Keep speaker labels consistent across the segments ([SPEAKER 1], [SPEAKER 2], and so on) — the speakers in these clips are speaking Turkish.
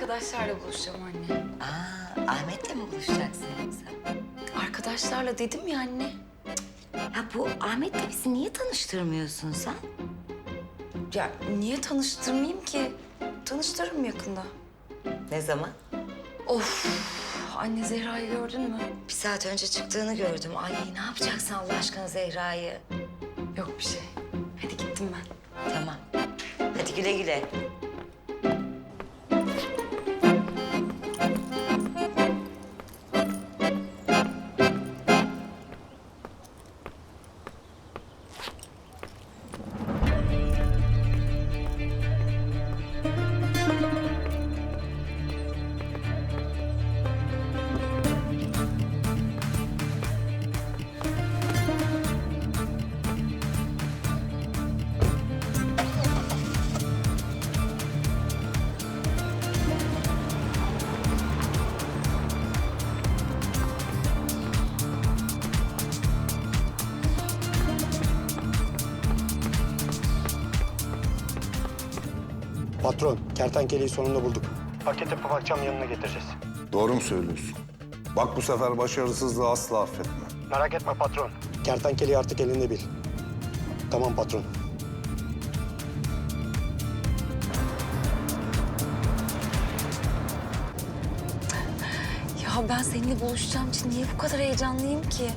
[SPEAKER 1] arkadaşlarla buluşacağım anne.
[SPEAKER 2] Ahmet'le mi buluşacaksın yoksa?
[SPEAKER 1] Arkadaşlarla dedim ya anne.
[SPEAKER 2] Ha bu Ahmet'le bizi niye tanıştırmıyorsun sen?
[SPEAKER 1] Ya niye tanıştırmayayım ki? Tanıştırırım yakında.
[SPEAKER 2] Ne zaman?
[SPEAKER 1] Of anne Zehra'yı gördün mü?
[SPEAKER 2] Bir saat önce çıktığını gördüm. Ay ne yapacaksın Allah aşkına Zehra'yı?
[SPEAKER 1] Yok bir şey. Hadi gittim ben.
[SPEAKER 2] Tamam. Hadi güle güle.
[SPEAKER 3] Patron, kertenkeleyi sonunda bulduk. Paket yapıp akşam yanına getireceğiz.
[SPEAKER 4] Doğru mu söylüyorsun? Bak bu sefer başarısızlığı asla affetme.
[SPEAKER 3] Merak etme patron. Kertenkeleyi artık elinde bil. Tamam patron.
[SPEAKER 1] Ya ben seninle buluşacağım için niye bu kadar heyecanlıyım ki?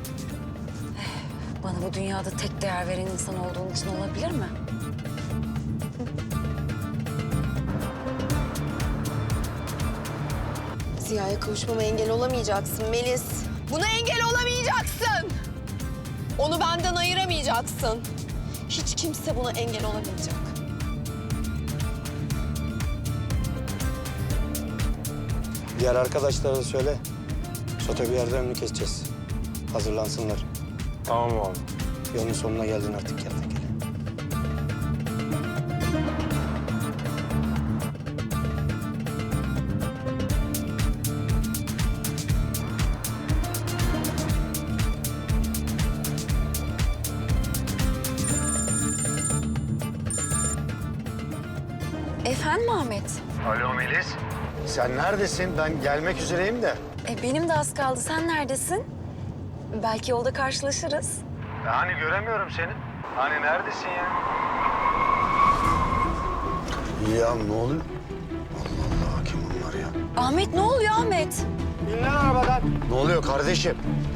[SPEAKER 1] Bana bu dünyada tek değer veren insan olduğun için olabilir mi?
[SPEAKER 5] Ziya'ya kavuşmama engel olamayacaksın Melis. Buna engel olamayacaksın. Onu benden ayıramayacaksın. Hiç kimse buna engel olamayacak.
[SPEAKER 3] Diğer arkadaşlara da söyle. Sote bir yerde önünü keseceğiz. Hazırlansınlar. Tamam abi. Yolun sonuna geldin artık kertenkele.
[SPEAKER 1] Efendim Ahmet?
[SPEAKER 3] Alo Melis. Sen neredesin? Ben gelmek üzereyim de.
[SPEAKER 1] Benim de az kaldı. Sen neredesin? Belki yolda karşılaşırız.
[SPEAKER 3] Hani göremiyorum seni. Hani neredesin ya? Ya ne oluyor? Allah Allah kim bunlar ya?
[SPEAKER 1] Ahmet ne oluyor Ahmet?
[SPEAKER 3] İn lan arabadan. Ne oluyor kardeşim?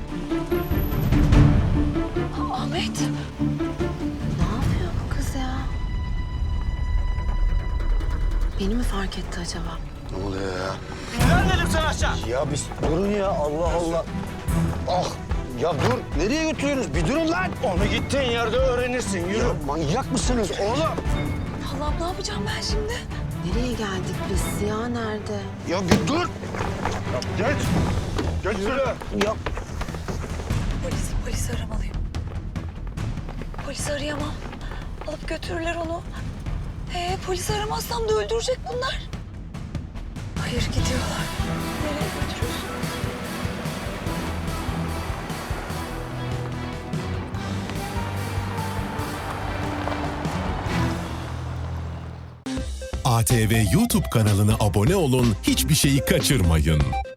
[SPEAKER 1] Ahmet.
[SPEAKER 5] Ne yapıyor bu kız ya? Beni mi fark etti acaba?
[SPEAKER 3] Ne oluyor ya? Ben dedim sana aşağı. Ya biz durun ya Allah Allah. Ah ya dur nereye götürüyorsunuz? Bir durun lan. Onu gittiğin yerde öğrenirsin yürü. Ya manyak mısınız oğlum?
[SPEAKER 1] Allah'ım ne yapacağım ben şimdi?
[SPEAKER 5] Nereye geldik biz? Ziya nerede?
[SPEAKER 3] Ya bir dur. Ya geç. Geç yürü. Ya
[SPEAKER 1] Polisi aramalıyım. Polisi arayamam. Alıp götürürler onu. Polisi aramazsam da öldürecek bunlar. Hayır gidiyorlar. Nereye götürüyorsun?
[SPEAKER 6] ATV YouTube kanalına abone olun, hiçbir şeyi kaçırmayın.